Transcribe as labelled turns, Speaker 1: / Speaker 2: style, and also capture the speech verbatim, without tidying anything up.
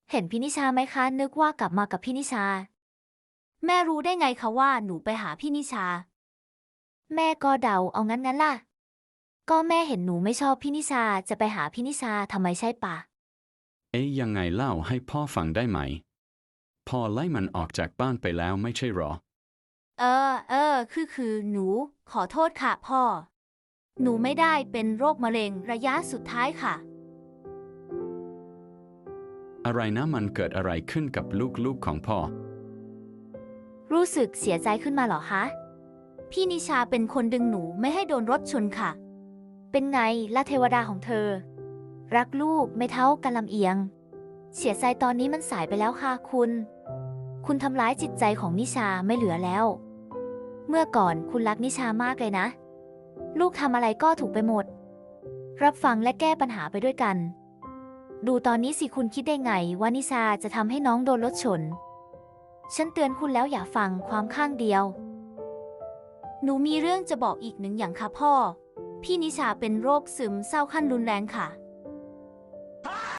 Speaker 1: เห็นพี่นิชาไหมคะนึกว่ากลับมากับพี่นิชา
Speaker 2: แม่รู้ได้ไงคะว่าหนูไปหาพี่นิชา
Speaker 1: แม่ก็เดาเอางั้นงั้นล่ะก็แม่เห็นหนูไม่ชอบพี่นิชาจะไปหาพี่นิชาทำไมใช่ปะ
Speaker 3: เอ๊ยยังไงเล่าให้พ่อฟังได้ไหมพ่อไล่มันออกจากบ้านไปแล้วไม่ใช่หรอ
Speaker 2: เออเออคือคือหนูขอโทษค่ะพ่อหนูไม่ได้เป็นโรคมะเร็งระยะสุดท้ายค่ะ
Speaker 3: อะไรนะมันเกิดอะไรขึ้นกับลูกๆของพ่อ
Speaker 1: รู้สึกเสียใจขึ้นมาเหรอคะ
Speaker 2: พี่นิชาเป็นคนดึงหนูไม่ให้โดนรถชนค่ะ
Speaker 1: เป็นไงล่ะเทวดาของเธอรักลูกไม่เท่ากันลำเอียงเสียใจตอนนี้มันสายไปแล้วค่ะคุณ คุณทำร้ายจิตใจของนิชาไม่เหลือแล้ว เมื่อก่อนคุณรักนิชามากเลยนะ ลูกทำอะไรก็ถูกไปหมด รับฟังและแก้ปัญหาไปด้วยกัน ดูตอนนี้สิคุณคิดได้ไงว่านิชาจะทำให้น้องโดนรถชน ฉันเตือนคุณแล้วอย่าฟังความข้างเดียว
Speaker 2: หนูมีเรื่องจะบอกอีกหนึ่งอย่างค่ะพ่อพี่นิชาเป็นโรคซึมเศร้าขั้นรุนแรงค่ะ